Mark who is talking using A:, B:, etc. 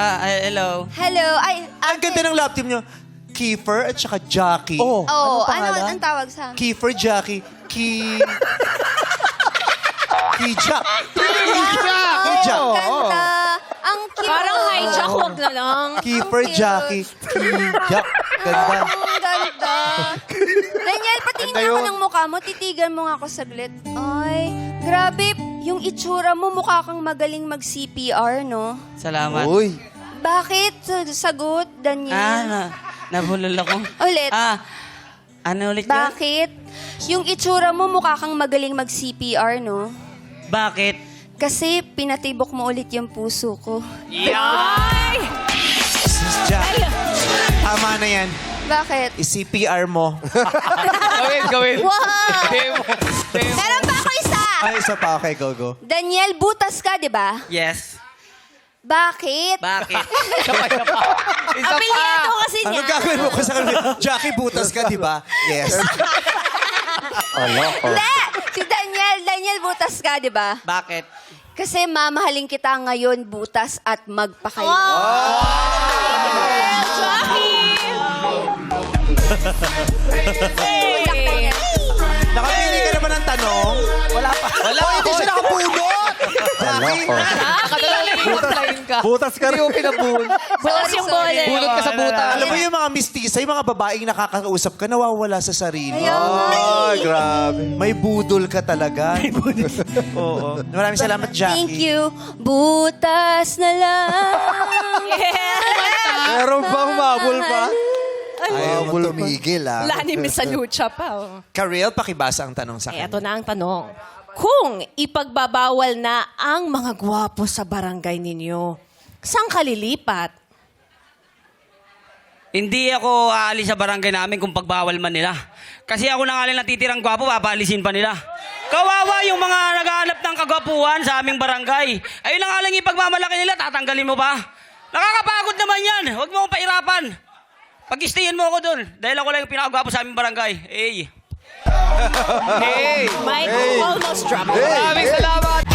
A: Hello.
B: Hello. Ay,
C: Ang ganda ng love team nyo. Kiefer at saka Jackie.
D: Oh.
B: Oh,
D: Anong
B: ano
D: pangalan?
B: ang tawag sa amin?
C: Kiefer, Jackie, Kijak. Kijak.
B: Ganda. Ang cute.
E: Parang hijack, wag na lang.
C: Kiefer,
B: cute.
C: Jackie, Kijak. Ganda.
B: Ang ganda. Daniel, patingin
C: Ganda
B: ako
C: yun.
B: ng mukha mo. Titigan mo nga ako saglit. Ay, grabe. Yung itsura mo, mukha kang magaling mag-CPR, no?
A: Salamat.
D: Uy.
B: Bakit? Sagot, Daniel.
A: Nabulol ako.
B: Ulit.
A: Ano ulit yun?
B: Bakit? Yung itsura mo, mukha kang magaling mag-CPR, no?
A: Bakit?
B: Kasi pinatibok mo ulit yung puso ko.
C: Sis Jack. Tama na yan.
B: Bakit?
C: I-CPR mo.
D: Gawin.
B: Wow! Meron pa ako isa!
C: Ay, isa pa. Okay, go.
B: Daniel, butas ka, di ba?
A: Yes.
B: Bakit?
A: Bakit?
E: Apelyido kasi
C: Ano
E: niya.
C: gagawin mo ko sa kanila? Jackie, butas ka, di ba? Yes.
B: Hindi! Si Daniel, butas ka, di ba?
A: Bakit?
B: Kasi mamahalin kita ngayon, butas at magpakayo.
C: Nakapili ka naman ng tanong? Wala pa. Wala. Hindi siya nakapulot. Jackie.
D: Butas ka rin.
E: Butas yung bola.
D: Bunot ka sa butas.
C: Alam mo yung mga mistisa, yung mga babaeng nakakausap ka, nawawala sa sarili.
D: Ay, grabe.
C: May budol ka talaga. May budol. Oo. Maraming salamat, Jackie.
B: Thank you. Butas na lang.
D: Meron bang mabul pa?
C: Ayaw mo tumigil, ah.
E: Lani Miss Lucha pa. Oh.
C: Karel, pakibasa ang tanong sa
E: Eh,
C: kanya.
E: ito na ang tanong. Kung ipagbabawal na ang mga gwapo sa barangay ninyo, saan ka lilipat?
A: Hindi ako aalis sa barangay namin kung pagbawal man nila. Kasi ako na nga lang natitirang gwapo, papaalisin pa nila. Kawawa yung mga naghahanap ng kagwapuhan sa aming barangay. Ayun na nga lang ipagmamalaki nila, tatanggalin mo pa. Nakakapagod naman yan. Huwag mo akong pairapan. Pag-stayin mo ako dun. Dahil ako lang yung pinakagwapo sa aming barangay. Hey.
E: Mike almost dropped.
D: Maraming salamat.